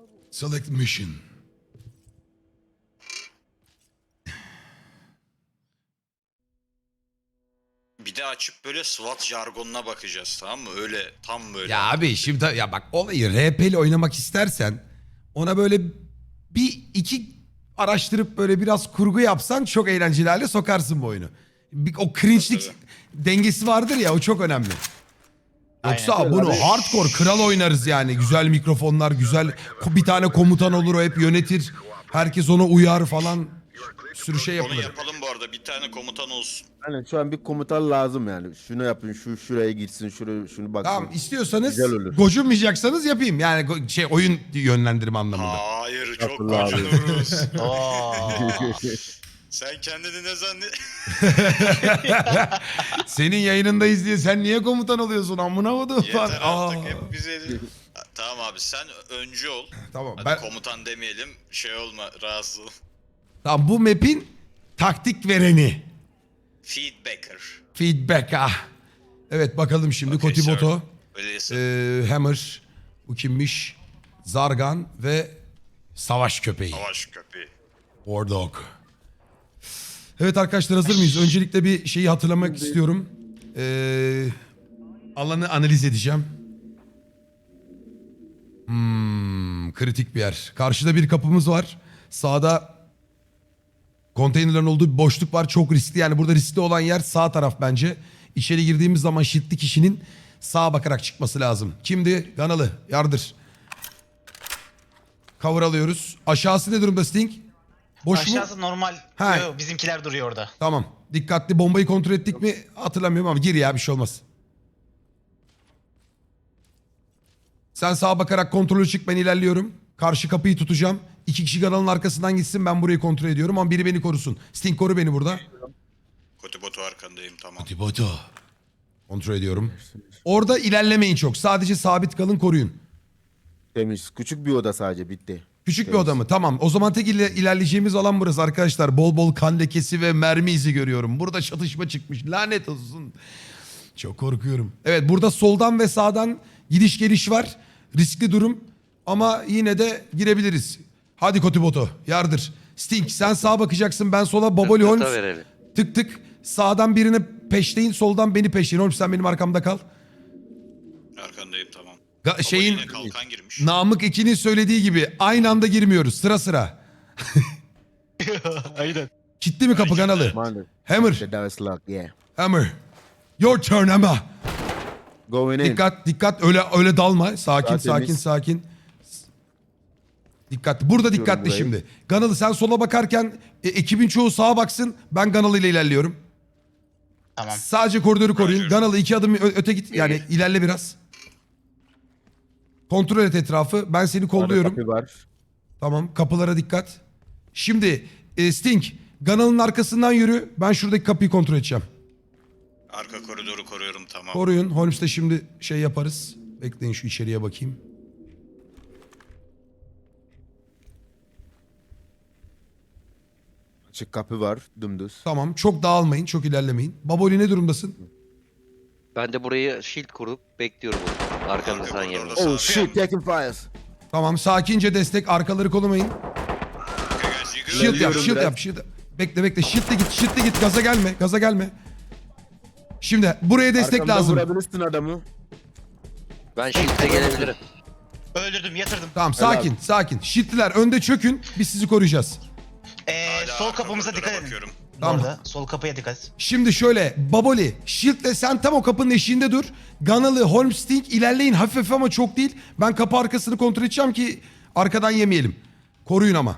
Select mission. Bir de açıp böyle SWAT jargonuna bakacağız, tamam mı? Öyle tam böyle. Ya abi şimdi ya bak olayı RP'li oynamak istersen ona böyle bir iki araştırıp böyle biraz kurgu yapsan çok eğlenceli hale sokarsın bu oyunu. O cringe'lik dengesi vardır ya, o çok önemli. Yoksa Aynen. bunu Abi- hardcore kral oynarız yani. Güzel mikrofonlar, güzel bir tane komutan olur, o hep yönetir. Herkes ona uyar falan. Bir sürü şey Onu yapılır. yapalım bu arada. Bir tane komutan olsun. Hani şu an bir komutan lazım yani. Şunu yapın, şuraya gitsin, şunu baksın. Tamam, istiyorsanız Güzel olur. gocunmayacaksanız yapayım. Yani oyun yönlendirme anlamında. Hayır, çok Yapın abi. gocunuruz. Oo. Sen kendini ne zannet... Senin yayınındayız diye sen niye komutan oluyorsun amına kodum falan. Yeter Aa. artık, hep bize... Tamam abi, sen öncü ol. Tamam Hadi ben komutan demeyelim, şey olma, rahatsız ol. tamam, bu map'in taktik vereni. Feedbacker. Feedback ah. Evet bakalım şimdi Okay, Kotiboto, Öyleyse Hammer, bu kimmiş? Zargan ve Savaş Köpeği. savaş köpeği. War Dog. Evet arkadaşlar, hazır mıyız? Öncelikle bir şeyi hatırlamak istiyorum. Alanı analiz edeceğim. Kritik bir yer. Karşıda bir kapımız var. Sağda konteynerlerin olduğu bir boşluk var. Çok riskli, yani burada riskli olan yer sağ taraf bence. İçeri girdiğimiz zaman şiddetli kişinin sağa bakarak çıkması lazım. Kimdi? Ganalı. Yardır. Cover alıyoruz. Aşağısı ne durumda Sting? Boş mu? Aşağısı normal. Ha. Yo, bizimkiler duruyor orada. Tamam. Dikkatli, bombayı kontrol ettik mi hatırlamıyorum ama gir ya, bir şey olmaz. Sen sağa bakarak kontrolü çık, ben ilerliyorum. Karşı kapıyı tutacağım. 2 kişi kanalın arkasından gitsin, ben burayı kontrol ediyorum ama biri beni korusun. Sting koru beni burada. Kotibotu arkandayım, tamam. Tiboto. Kontrol ediyorum. Orada ilerlemeyin çok. Sadece sabit kalın, koruyun. Temiz. Küçük bir oda sadece, bitti. Küçük bir Temiz. oda mı? Tamam. O zaman tek ilerleyeceğimiz alan burası arkadaşlar. Bol bol kan lekesi ve mermi izi görüyorum. Burada çatışma çıkmış. Lanet olsun. Çok korkuyorum. Evet, burada soldan ve sağdan gidiş geliş var. Riskli durum. Ama yine de girebiliriz. Hadi Kotiboto, yardır. Sting sen sağa bakacaksın, ben sola. Baboli Holmes verelim. tık tık. Sağdan birini peşleyin, soldan beni peşleyin. Holmes sen benim arkamda kal. Arkandayım, tamam. Şeyin Yine kalkan girmiş. Namık 2'nin söylediği gibi aynı anda girmiyoruz, sıra sıra. Aynen. Kilitli mi kapı kanalı? Maalesef. Hammer, The door is locked, yeah. Hammer. Your turn Hammer. Going in. Dikkat, dikkat, öyle dalma. Sakin, Daha sakin, temiz. sakin. Dikkatli. Burada dikkatli burayı. şimdi. Ganalı sen sola bakarken ekibin çoğu sağa baksın. Ben Ganalı ile ilerliyorum. Tamam. Sadece koridoru koruyun. Roger. Ganalı 2 adım öte git. Yani ilerle biraz. Kontrol et etrafı. Ben seni kolluyorum. Kapı var. Tamam, kapılara dikkat. Şimdi Sting, Ganalı'nın arkasından yürü. Ben şuradaki kapıyı kontrol edeceğim. Arka koridoru koruyorum, tamam. Koruyun. Holmes'te şimdi şey yaparız. Bekleyin, şu içeriye bakayım. Açık kapı var, dümdüz. Tamam, çok dağılmayın, çok ilerlemeyin. Baboli ne durumdasın? Ben de burayı shield kurup bekliyorum onu. Arkanızdan Arka yemin. koridorda Oh shit, taking fires. Tamam, sakince destek, arkaları kollamayın. Okay, guys, you good? Shield yap, Geliyorum shield biraz. yap, shield. Bekle, shield'le git, gaza gelme, gaza gelme. Şimdi buraya destek Arkamdan lazım. vurabilirsin adamı. Ben shield'e gelebilirim. Öldürdüm, yatırdım. Tamam, Helal. sakin. Shield'liler önde çökün, biz sizi koruyacağız. Hala Sol arka kapımıza koridora dikkat edin. bakıyorum. Tamam. Orada. Sol kapıya dikkat et. Şimdi şöyle, Baboli, Shield'le sen tam o kapının eşiğinde dur. Ganalı, Holmes, Sting ilerleyin hafif hafif ama çok değil. Ben kapı arkasını kontrol edeceğim ki arkadan yemeyelim. Koruyun ama.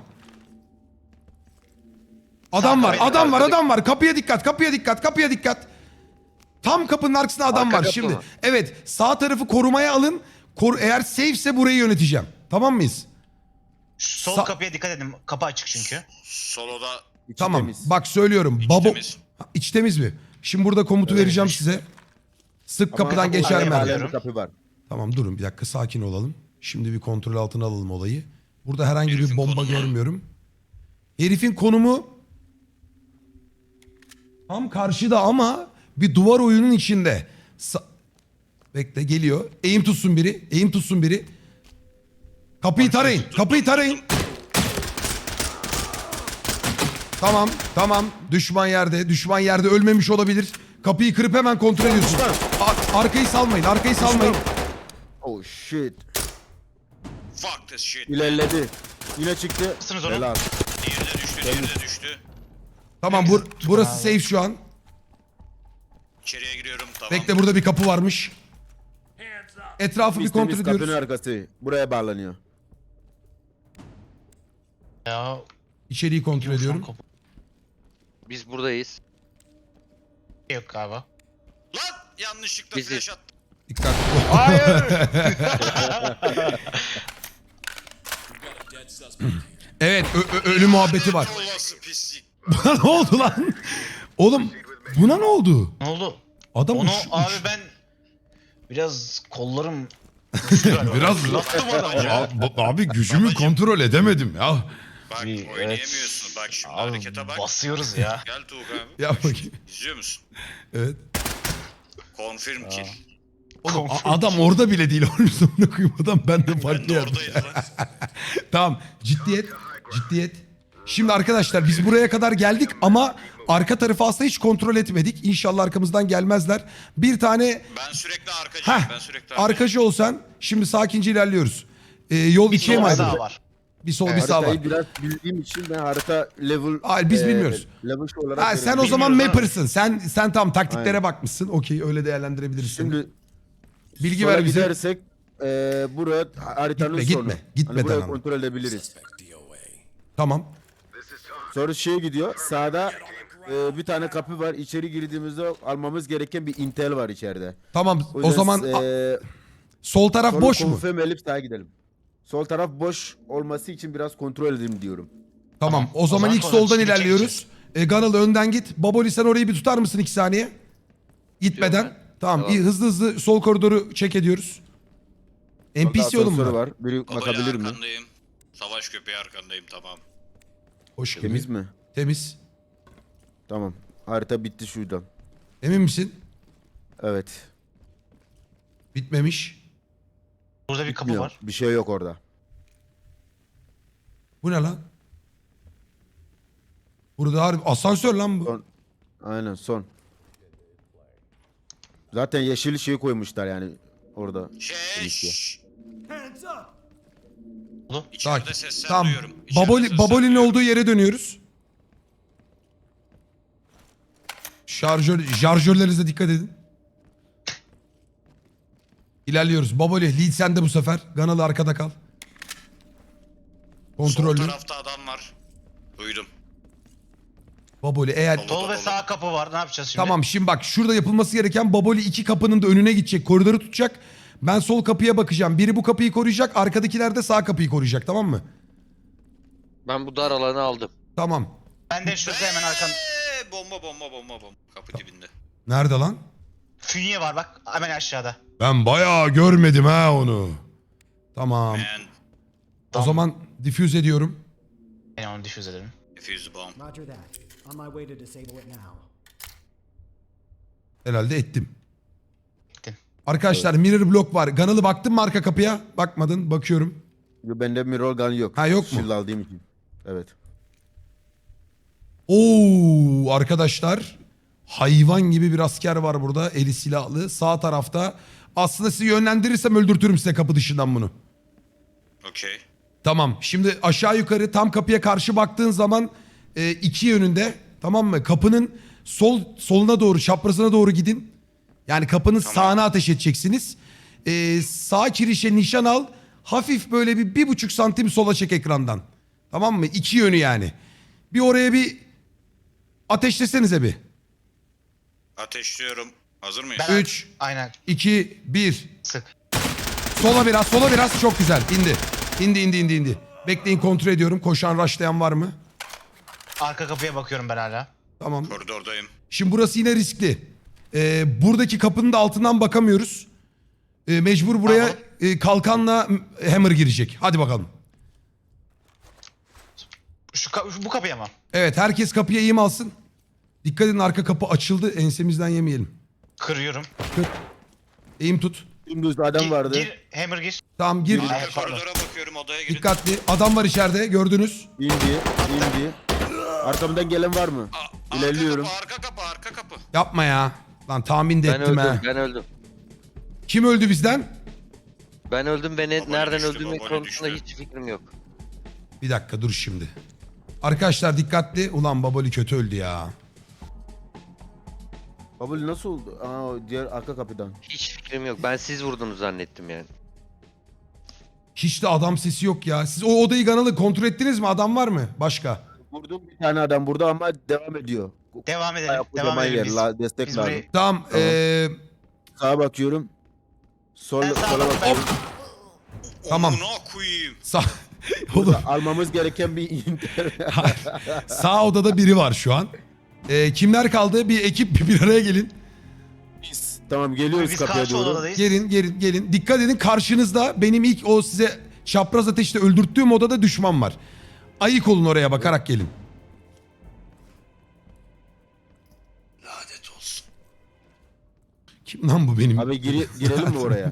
Adam var, adam var. Kapıya dikkat. Tam kapının arkasında adam Arka var. kapı Şimdi mı? evet, sağ tarafı korumaya alın. Eğer safe'se burayı yöneteceğim. Tamam mıyız? Sol Sa- kapıya dikkat edin. Kapı açık çünkü. Soloda İçi Tamam. temiz. Bak söylüyorum. İç Babo temiz. Ha, İç temiz mi? Şimdi burada komutu vereceğim size. Sık Ama kapıdan kapı geçer var, mi? halen bir kapı var. Tamam, durun bir dakika, sakin olalım. Şimdi bir kontrol altına alalım olayı. Burada herhangi bir Herifin bomba konumu. görmüyorum. Herifin konumu tam karşıda ama bir duvar oyunun içinde. Bekle, geliyor. Eğim tutsun biri. Kapıyı tarayın. Kapıyı tarayın. Tamam. Tamam. Düşman yerde. Düşman yerde ölmemiş olabilir. Kapıyı kırıp hemen kontrol ediyorsun. Arkayı salmayın. Arkayı salmayın. Oh shit. Fuck this shit. İlerledi. Yine çıktı. Mısınız onu? Helal. Diğeri de düştü, diğeri de düştü. Tamam burası safe şu an. İçeriye giriyorum, tamam. Bekle burada bir kapı varmış. Etrafı bir kontrol Biz kapının ediyoruz. arkası. Buraya bağlanıyor. Ya. İçeriği kontrol ediyorum. Biz buradayız. Yok galiba. Lan yanlışlıkla Bizi- flash attım. Dikkat. Evet ölü muhabbeti var. Olası pislik. Buna ne oldu lan? Oğlum buna ne oldu? Ne oldu? Adam Onu uç- abi uç- ben biraz kollarım güçlü galiba. Biraz Fırlattım adamı ya. abi gücümü kontrol edemedim ya. Bak Evet. oynayamıyorsun. Bak şimdi Abi harekete bak. basıyoruz ya. Gel Tuğkan abi. Ya bakayım. İzliyor musun? Evet. Confirm kill. Oğlum adam orada bile değil. Oğlum sonuna koyayım adam ben de Ben farklı de yerde. oradaydım lan. Tamam ciddiyet. Ciddiyet. Şimdi arkadaşlar biz buraya kadar geldik ama arka tarafı aslında hiç kontrol etmedik. İnşallah arkamızdan gelmezler. Bir tane Ben sürekli arkacıyım. heh, Ben sürekli arkacıyım. arkacı olsan şimdi sakince ilerliyoruz. Yol Bir ikiye mi sol ayrıldı? sağ var. Bir sol bir sağ var. Haritayı biraz bildiğim için ben harita level... Hayır, biz bilmiyoruz. Level şu olarak... Ha, sen o görüyorum. zaman Bilmiyoruz mapper'sın. Sen tam taktiklere Aynen. bakmışsın. Okey öyle değerlendirebilirsin. Şimdi Bilgi sola ver bize. gidersek buraya haritanın Gitme, sonu. gitme. Gitmeden Hani burayı ama. kontrol edebiliriz. Tamam. Sonra şeye gidiyor. Sağda bir tane kapı var. İçeri girdiğimizde almamız gereken bir intel var içeride. Tamam. O yüzden, zaman sol taraf solu boş mu? confirm edip sağa gidelim. Sol taraf boş olması için biraz kontrol edelim diyorum. Tamam. O zaman zaman ilk sonra soldan şimdi ilerliyoruz. Ganal önden git. Baboli sen orayı bir tutar mısın 2 saniye? Gitmeden. Gidiyorum Tamam. Tamam. İyi, hızlı hızlı sol koridoru check ediyoruz. NPC oğlum Asansör mu? var. Biri Babali bakabilir mi? arkandayım. Savaş köpeği arkandayım, tamam. Hoş gibi. Temiz mi? Temiz. Tamam. Harita bitti şuradan. Emin misin? Evet. Bitmemiş. Burada bir kapı Bilmiyorum. var. Bir şey yok orada. Bu ne lan? Burada harbi asansör lan bu. Son. Aynen son. Zaten yeşil şey koymuşlar yani orada. Şşş. Oldu. İçeride Sakin. sesler Tamam. duyuyorum. İçeride sesler Baboli'nin duyuyorum. olduğu yere dönüyoruz. Şarjörlerinize dikkat edin. İlerliyoruz. Baboli lead sende bu sefer. Ganalı arkada kal. Kontrollü. Sol tarafta adam var. Duydum. Baboli eğer... Sol. Sol ve sağ kapı var. Ne yapacağız şimdi? Tamam şimdi bak şurada yapılması gereken Baboli 2 kapının da önüne gidecek. Koridoru tutacak. Ben sol kapıya bakacağım. Biri bu kapıyı koruyacak. Arkadakiler de sağ kapıyı koruyacak. Tamam mı? Ben bu dar alanı aldım. Tamam. Ben de şurada hemen arkan. Bomba. Kapı dibinde. Nerede lan? Fünye var bak. Hemen aşağıda. Ben bayağı görmedim ha onu. Tamam. Man, O zaman diffuse ediyorum. Ben onu difüz ederim. defuse the bomb. Roger that. On my way to disable it now. Herhalde ettim. Ettin. Arkadaşlar mirror block var. Ganalı baktın mı arka kapıya? Bakmadın. Bakıyorum. Bende mirror gun yok. Ha, yok mu? Shield aldığım için. Evet. Oo arkadaşlar. Hayvan gibi bir asker var burada. Eli silahlı. Sağ tarafta. Aslında sizi yönlendirirsem öldürtürüm size kapı dışından bunu. Okey. Tamam. Şimdi aşağı yukarı tam kapıya karşı baktığın zaman iki yönünde, tamam mı? Kapının soluna doğru, çaprazına doğru gidin. Yani kapının sağına ateş edeceksiniz. Sağ kirişe nişan al. Hafif böyle bir 1,5 santim sola çek ekrandan. Tamam mı? İki yönü yani. Bir oraya bir ateşlesenize bir. Ateşliyorum. Hazır mıyız? Ben- 3, Aynen. 2, 1. Sık. Sola biraz. Çok güzel. İndi. Bekleyin, kontrol ediyorum. Koşan, rushlayan var mı? Arka kapıya bakıyorum ben hala. Tamam. Koridordayım. Şimdi burası yine riskli. Buradaki kapının da altından bakamıyoruz. Mecbur buraya kalkanla hammer girecek. Hadi bakalım. Bu kapıya mı? Evet, herkes kapıya eğim alsın. Dikkat edin, arka kapı açıldı. Ensemizden yemeyelim. Kırıyorum. Eğim tut. Dümdüz adam vardı. Gir, Hammer gir. Tamam gir. Arka Pardon. koridora bakıyorum, odaya girin. Dikkatli. Adam var içeride gördünüz. İndi. Arkamdan gelen var mı? İlerliyorum. Arka kapı. Yapma ya. Lan tahmin de Ben ettim öldüm, ha. ben öldüm. Kim öldü bizden? Ben öldüm, beni Baboli nereden düştü, öldüğümün Baboli konusunda düştü. hiç fikrim yok. Bir dakika dur şimdi. Arkadaşlar dikkatli. Ulan Baboli kötü öldü ya. Babul nasıl oldu? Aa, o diğer arka kapıdan. Hiç fikrim yok. Ben siz vurdunuz zannettim yani. Hiç de adam sesi yok ya. Siz o odayı kanalı kontrol ettiniz mi? Adam var mı? Başka. Vurdum bir tane adam burada ama devam ediyor. Devam edelim. Bayağı Devam kocaman edelim yer, biz. destek Biz lazım. burayı... Tamam. Tamam. Sağa bakıyorum. Ben sağa Sola bak- bakıyorum. Tamam. Amına koyayım. Sağ... Oğlum, Burada almamız gereken bir inter. sağ odada biri var şu an. Kimler kaldı? Bir ekip bir araya gelin. Biz. Tamam geliyoruz Biz kapıya karşı doğru. odadayız. Gelin. Dikkat edin, karşınızda benim ilk o size çapraz ateşte öldürttüğüm odada düşman var. Ayık olun, oraya bakarak gelin. Lanet olsun. Kim lan bu benim? Abi girelim mi oraya?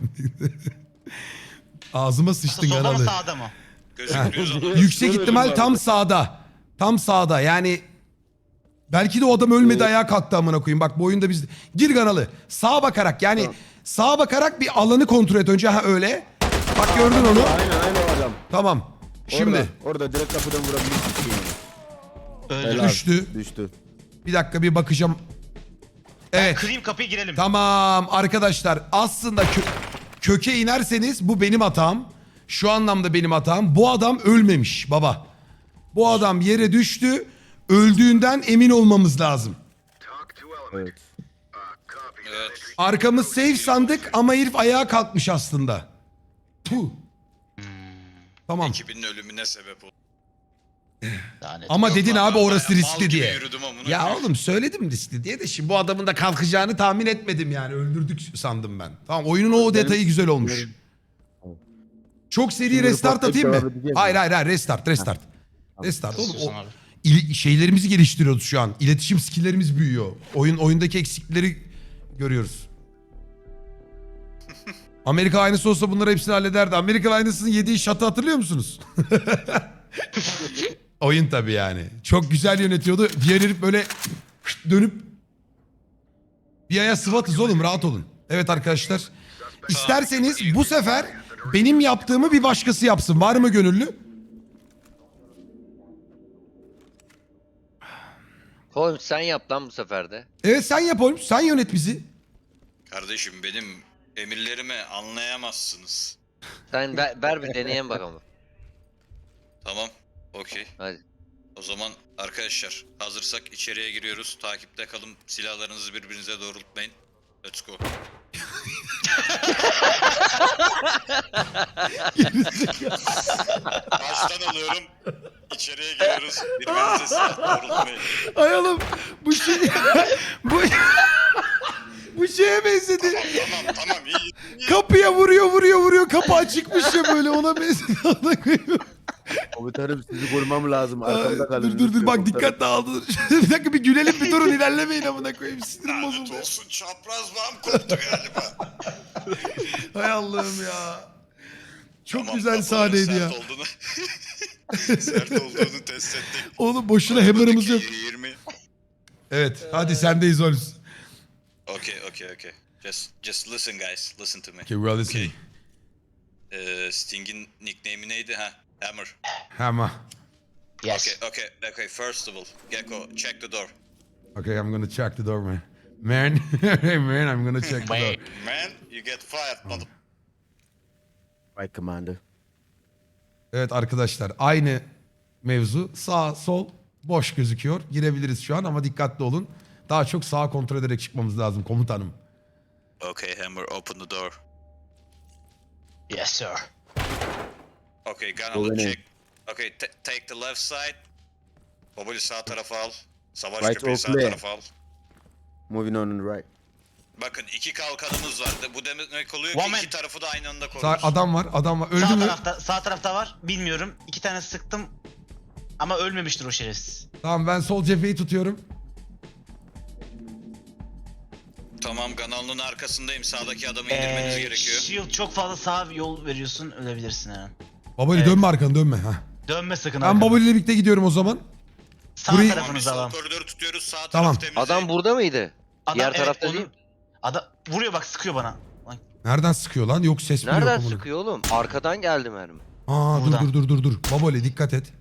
Ağzıma sıçtın Solda mı kanalı. sağda mı? Gözükmüyor zaman. Yüksek Şöyle ihtimal bir- tam sağda. Tam sağda yani. Belki de o adam ölmedi, ayağa kalktı amına koyayım. Bak bu oyunda biz... Gir kanalı. Sağa bakarak yani. Tamam. Sağa bakarak bir alanı kontrol et önce. Ha öyle. Bak gördün onu. Aynen o adam. Tamam. Şimdi Orada direkt kapıdan vurabilirsin. Öldü. Helal. Düştü. Düştü. bir dakika bir bakacağım. Evet. Kırayım kapıyı girelim. Tamam arkadaşlar, aslında köke inerseniz bu benim hatam. Şu anlamda benim hatam. Bu adam ölmemiş baba. Bu adam yere düştü. Öldüğünden emin olmamız lazım. Evet. Evet. Arkamız safe sandık ama herif ayağa kalkmış aslında. Puh. Tamam. Ekibinin ölümüne sebep oldu. Lanet. Ama Yok dedin lan, abi ben orası bayağı mal riskli gibi diye. yürüdüm amına Ya koyayım. oğlum söyledim riskli diye de şimdi bu adamın da kalkacağını tahmin etmedim yani. Öldürdük sandım ben. Tamam, oyunun o detayı güzel olmuş. Çok seri Şimdi restart reportlayıp atayım devam mı? edeceğiz Hayır mi? hayır restart. Restart oğlum. Susun abi. Şeylerimizi geliştiriyoruz şu an. İletişim skilllerimiz büyüyor. Oyundaki eksikleri görüyoruz. Amerika aynısı olsa bunları hepsini hallederdi. Amerika aynısının yediği şatı hatırlıyor musunuz? Oyun tabii yani. Çok güzel yönetiyordu. Diğer herif böyle dönüp bir aya sıvatız oğlum, rahat olun. Evet arkadaşlar. İsterseniz bu sefer benim yaptığımı bir başkası yapsın. Var mı gönüllü? Holmes sen yap lan bu sefer de. Evet sen yap oğlum. Sen yönet bizi. Kardeşim benim emirlerimi anlayamazsınız. Sen ver bir deneyelim bakalım. Tamam. Okey. Hadi. O zaman arkadaşlar hazırsak içeriye giriyoruz. Takipte kalın. Silahlarınızı birbirinize doğrultmayın. Let's go. Baştan alıyorum. İçeriye giriyoruz. Birbirinize silah doğrultmayın. Ay oğlum bu şey... bu... bu şeye benzedi. Tamam iyi. Kapıya vuruyor. Kapı açıkmış ya böyle, ona benzedi. Ona koyayım. Komutanım sizi korumam lazım. Arkamda kalın. Dur bak Komutanım. dikkat dağıldı. Bir dakika bir gülelim, bir durun, ilerlemeyin amına koyayım. Sinirim Lanet bozuldu. olsun, çapraz bağım koptu galiba. Hay Allah'ım ya. Çok Tamam, güzel kafaların sahneydi sert ya. Olduğunu, sert olduğunu test ettik. Oğlum boşuna hammer'ımız yok. 20. Evet hadi sendeyiz Holmes. Okay. Just listen guys. Listen to me. Okay, well listen. Sting'in nickname'i neydi? Ha, Hammer. Hammer. Yes. Okay. First of all, Gecko, check the door. Okay, I'm gonna check the door man. Man, hey man, I'm gonna check the door. Wait. Man, you get fired, mother. Right commander. Evet arkadaşlar, aynı mevzu. Sağ sol boş gözüküyor. Girebiliriz şu an ama dikkatli olun. Daha çok sağa kontrol ederek çıkmamız lazım komutanım. Okay, Hammer, open the door. Yes sir. Okay, Go Gunner, in. check. Okay, take the left side. Baboli sağ tarafa al. Savaş Right köpeği or sağ clear? tarafa al. Moving on and right. Bakın iki kalkanımız var. Bu demek oluyor ki Woman. iki tarafı da aynı anda Sağ, koruruz. adam var. Öldü Sağ mü? sağ tarafta var. Bilmiyorum. 2 tane sıktım. Ama ölmemiştir o şerefsiz. Tamam ben sol cepheyi tutuyorum. Tamam, kanalının arkasındayım. Sağdaki adamı indirmeniz gerekiyor. Shield çok fazla sağ yol veriyorsun, ölebilirsin hemen. Baboli Evet. dönme arkanı dönme. Ha. Dönme sakın Ben arkana. Baboli ile birlikte gidiyorum o zaman. Sağ burayı- Tamam, biz tarafınızı sol alalım. koridoru tutuyoruz. Sağ Tamam. taraf temizleyin. Adam burada mıydı? Adam, Diğer evet, tarafta onun- değil. Adam vuruyor bak, sıkıyor bana. Lan, Nereden sıkıyor lan? Yok ses mi yok? Nereden amına? sıkıyor oğlum? Arkadan geldi mermi. Aa Buradan. dur. Baboli dikkat et.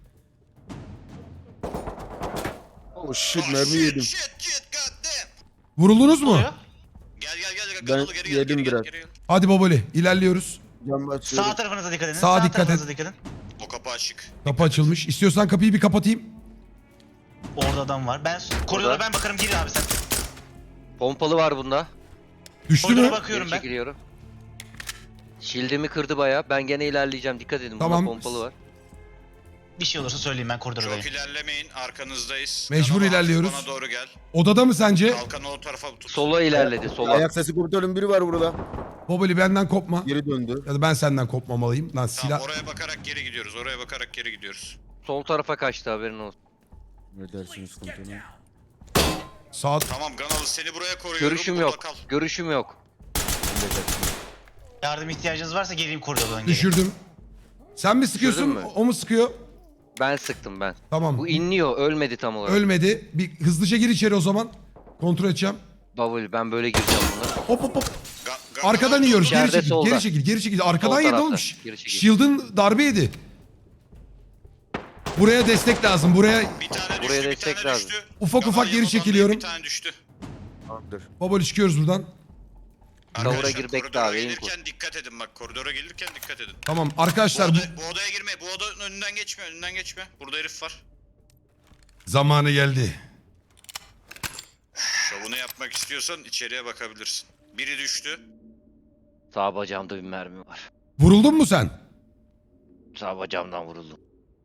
Oh shit Oh, mermi yedim. Shit, god damn. Vuruldunuz mu? oluyor. Gel. Ben Kanalı geri yedim gel. biraz. Geri gel. Hadi Baboli ilerliyoruz. Cam basıyorum. Sağ tarafınıza dikkat edin. Sağa dikkat tarafınıza dikkat edin. O kapı açık. Kapı açılmış. İstiyorsan kapıyı bir kapatayım. Orada adam var. Ben koridora ben bakarım, gir abi sen. Pompalı var bunda. Düştü Koridora mü? bakıyorum Geri ben. çekiliyorum. Shield'imi kırdı baya. Ben gene ilerleyeceğim. Dikkat edin. Bunda Tamam. pompalı var. Bir şey olursa söyleyeyim, ben koridordayım. Çok ilerlemeyin. Arkanızdayız. Mecbur Kanal ilerliyoruz. Bana doğru gel. Odada mı sence? Kalkanı o tarafa tut. Sola ilerledi. Sola. Ayak sesi komutanım biri var burada. Baboli benden kopma. Geri döndü. Ya da ben senden kopmamalıyım. Lan silah. Tamam, oraya bakarak geri gidiyoruz. Sol tarafa kaçtı, haberin olsun. Ne dersiniz komutanım? Sağ. Tamam, Ganalı seni buraya koruyorum. Görüşüm Burada yok. kal. Görüşüm yok. Yardım ihtiyacınız varsa geleyim koridordan geri. Düşürdüm. Sen mi sıkıyorsun? Düşürdün mü? O mu sıkıyor? Ben sıktım ben. Tamam. Bu inliyor. Ölmedi tam olarak. Ölmedi. Bir hızlıca gir içeri o zaman. Kontrol edeceğim. Bavul, ben böyle gireceğim buna. Hop. Ganalı Arkadan yiyoruz. Geri İçeride çekil. solda. Geri çekil. Arkadan yedi tarafta. oğlum. Geri çekil. Shield'ın darbe yedi. Buraya destek lazım. Buraya Bir tane düştü, Buraya bir destek tane lazım. düştü. Ufak Ganalı ufak geri yanından çekiliyorum. Bir tane düştü. Tamamdır. Baboli çıkıyoruz buradan. Kavura Arkadaşlar, gir, bekle koridora abi, gelirken dikkat edin bak. Koridora gelirken dikkat edin. Tamam arkadaşlar bu Bu odaya girme. Bu odanın önünden geçme. Burada herif var. zamanı geldi. Şovunu yapmak istiyorsan içeriye bakabilirsin. Biri düştü. Sağ bacağımda bir mermi var. Vuruldun mu sen? Sağ bacağımdan vuruldum.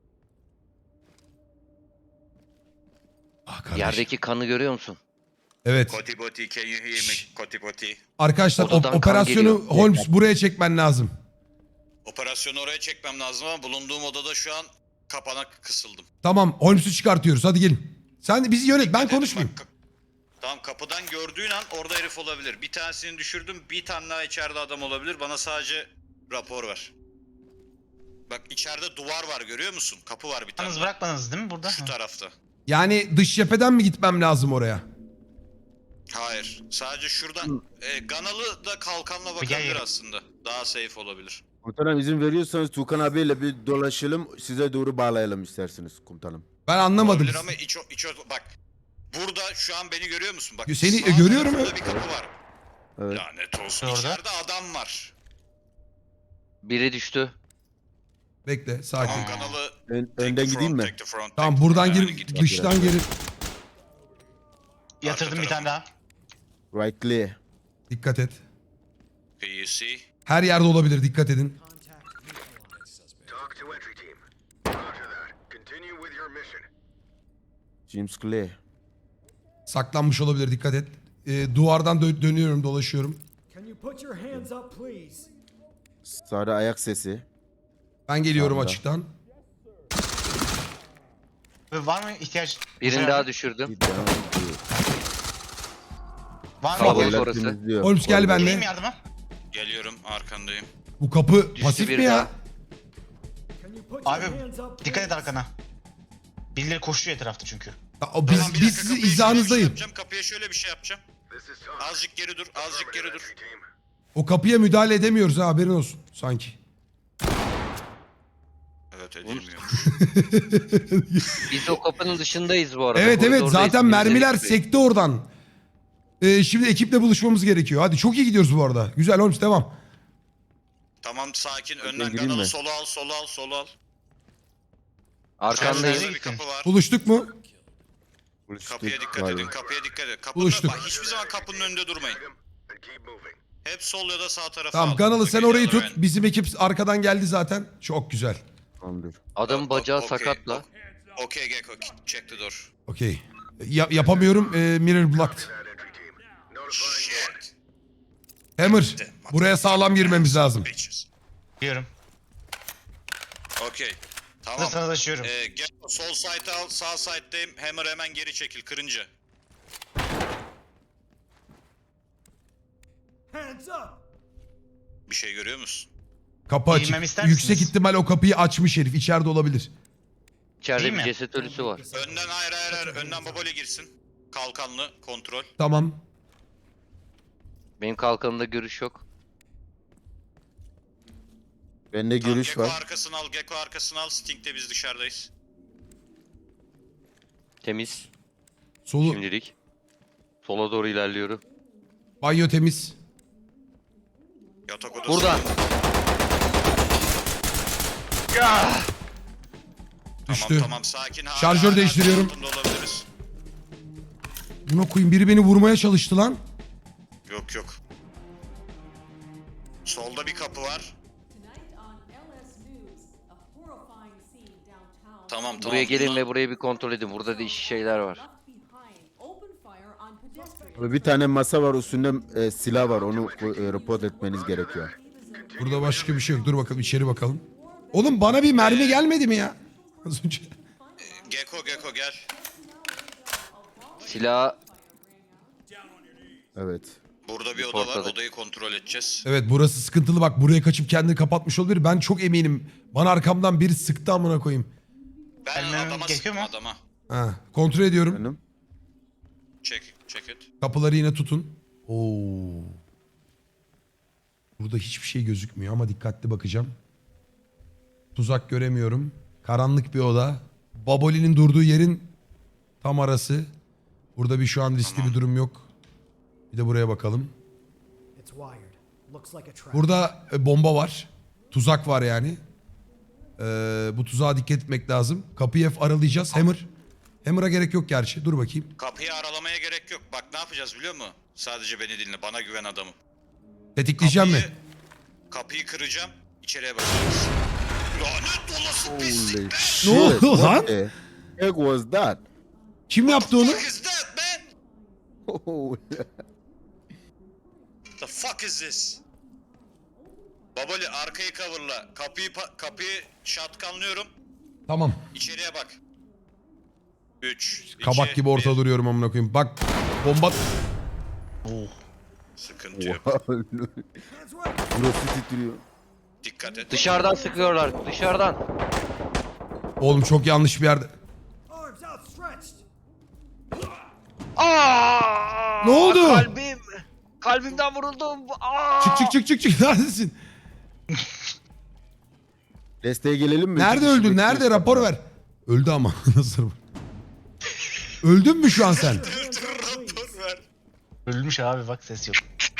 Ah kardeş. Yerdeki kanı görüyor musun? Evet. Koti boti, can you hear me? Koti boti. Arkadaşlar Odadan kan operasyonu geliyor. Holmes buraya çekmen lazım. Operasyonu oraya çekmem lazım ama bulunduğum odada şu an kapana kısıldım. Tamam Holmes'u çıkartıyoruz. Hadi gelin. Sen bizi yönet. Ben Dedim konuşmayayım. bak, tamam, kapıdan gördüğün an orada herif olabilir. Bir tanesini düşürdüm. Bir tane daha içeride adam olabilir. Bana sadece rapor ver. Bak içeride duvar var, görüyor musun? Kapı var bir tane. Yalnız bırakmadınız değil mi burada? Şu tarafta. Yani dış cepheden mi gitmem lazım oraya? Hayır. Sadece şuradan. Ganalı da kalkanla bakabilir gel. aslında. Daha safe olabilir. Komutanım izin veriyorsanız Tukan abiyle bir dolaşalım. Size doğru bağlayalım isterseniz komutanım. Ben anlamadım. Olabilir ama bak. Burada şu an beni görüyor musun? Bak. Seni sağ görüyorum, tarafında evet. bir kapı var. Evet. Lanet olsun. Orada. İçeride adam var. Biri düştü. Bekle sakin. Tamam, Ganalı. Önden gideyim mi? Tamam buradan gir. gir, dıştan gir. Yatırdım bir tane daha. Right clear. Dikkat et. PUC. Her yerde olabilir. Dikkat edin. Talk to entry team. Roger that. Continue with your mission. James clear. Saklanmış olabilir. Dikkat et. Duvardan dönüyorum, dolaşıyorum. Can you put your hands up, please? Sağda ayak sesi. Ben geliyorum Sağda. açıktan. Ve var mı ihtiyaç? Birini daha düşürdüm. Bir devam ediyor. Var mı Kalabalık ihtiyaç? orası. temizliyor. Holmes gel Orada. benimle. Geleyim yardıma. Geliyorum, arkandayım. Bu kapı Düştü pasif biri mi ya? daha. Can you put Abi your hands up, dikkat et please? arkana. Birileri koşuyor etrafta çünkü. Biz, Tamam, bir biz dakika, sizin kapıya şöyle bir şey izahınızdayım. yapacağım, kapıya şöyle bir şey yapacağım. This is Tom. Azıcık geri dur, azıcık geri dur. Entry team. O kapıya müdahale edemiyoruz ha, haberin olsun sanki. Evet, edilmiyor. Biz o kapının dışındayız bu arada. Evet Koridordayız. zaten Bizi mermiler bekliyor. sekti oradan. Şimdi ekiple buluşmamız gerekiyor. Hadi çok iyi gidiyoruz bu arada. Güzel Holmes devam. Tamam, sakin. Önden gireyim Ganalı mi? sola al, sola al, sola al. Arkandayız. Şurada bir kapı var. Buluştuk mu? Kapıya dikkat Var. edin, kapıya dikkat edin. Kapının, Buluştuk. bak, hiçbir zaman kapının önünde durmayın. Tag 'em and keep moving. Hep sol ya da sağ tarafa Tamam al. Ganalı sen Okay, orayı other tut. end. Bizim ekip arkadan geldi zaten. Çok güzel. Tamamdır. Adamın bacağı Okay, sakatla. Okay, Gecko, check the door. Okey. Yapamıyorum. Mirror blocked. That entry team. Notifying Shit. Hammer. Buraya sağlam girmemiz lazım. Bitches. Biliyorum. Okay. Tamam. Hazırsanız açıyorum. Gecko sol side al, sağ side'deyim. Hammer hemen geri çekil, kırınca. Hands up! Bir şey görüyor musun? Kapı açık. Giymemi ister Yüksek misiniz? ihtimal o kapıyı açmış herif. İçeride olabilir. İçeride Değil bir mi? ceset ölüsü var. Önden hayır. Önden Baboli girsin. Kalkanlı kontrol. Tamam. Benim kalkanımda görüş yok. Bende Tamam, görüş Gecko var. arkasını al. Gecko arkasını al. Sting'de biz dışarıdayız. Temiz. Solu Şimdilik. Sola doğru ilerliyorum. banyo temiz. Yatak odası. Burada. Düştü. Tamam sakin. Hala, Şarjör değiştiriyorum. altında olabiliriz. Buna koyayım, biri beni vurmaya çalıştı lan. Yok. Solda bir kapı var. Tonight on LS News, a horrifying scene downtown. Tamam. Buraya gelin Bunlar- ve burayı bir kontrol edin. Burada değişik şeyler var. Left behind, open fire on pedestrians. Abi bir tane masa var, üstünde silah var. Onu report etmeniz gerekiyor. Burada başka bir şey yok. Dur bakalım içeri bakalım. Oğlum bana bir mermi gelmedi mi ya? Az önce. Gecko gel. Silah Evet. Burada bir oda var. Ortada. Odayı kontrol edeceğiz. Evet burası sıkıntılı, bak buraya kaçıp kendini kapatmış olabilir. Ben çok eminim. Bana arkamdan biri sıktı amına koyayım. Ben Gelmem adama gerekiyor sıktım mu? adama. Ha, kontrol ediyorum. Benim. Check it. Kapıları yine tutun. Oo. Burada hiçbir şey gözükmüyor ama dikkatli bakacağım. Tuzak göremiyorum. Karanlık bir oda. Baboli'nin durduğu yerin tam arası. Burada bir şu an riskli bir durum yok. Bir de buraya bakalım. It's wired. Looks like a trap. Burada bomba var. Tuzak var yani. Bu tuzağa dikkat etmek lazım. Kapıyı hep aralayacağız. Hammer'a gerek yok gerçi. Dur bakayım. Kapıyı aralamaya gerek yok. Bak ne yapacağız biliyor musun? Sadece beni dinle. Bana güven adamım. Tetikleyeceğim mi? Kapıyı kıracağım. İçeriye bakacağız. Lanet olası Holy pislik. shit. oldu What lan? the heck was that? Kim yaptı onu? What is that man? Oh, The fuck is this? Baboli arkayı coverla. Kapıyı shotgunlıyorum. Tamam. İçeriye bak. 3, Kabak gibi ortada duruyorum amına koyayım. Bak bomba... Sıkıntı yok. Hands right! burası titriyor. Dikkat et. dışarıdan sıkıyorlar. Dışarıdan. Oğlum çok yanlış bir yerde. Arms outstretched! Aa! Ne oldu? Kalbim. Kalbimden vuruldum. Aa! Çık. Neredesin? Desteğe gelelim mi? Nerede İki kişi öldün? Nerede? bekliyoruz. Rapor ver. Öldü ama. Nasıl? Öldün mü şu an sen? Rapor ver. Ölmüş abi bak ses yok.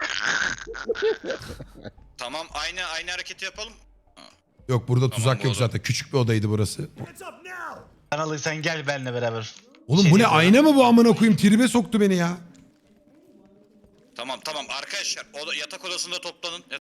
Tamam aynı hareketi yapalım. Yok burada tuzak bu yok oda. zaten. Küçük bir odaydı burası. Hands up now! Kanalı sen gel benimle beraber. Oğlum Şey bu ne, yapıyorum. ayna mı bu amına koyayım? Tribe soktu beni ya. Tamam arkadaşlar yatak odasında toplanın.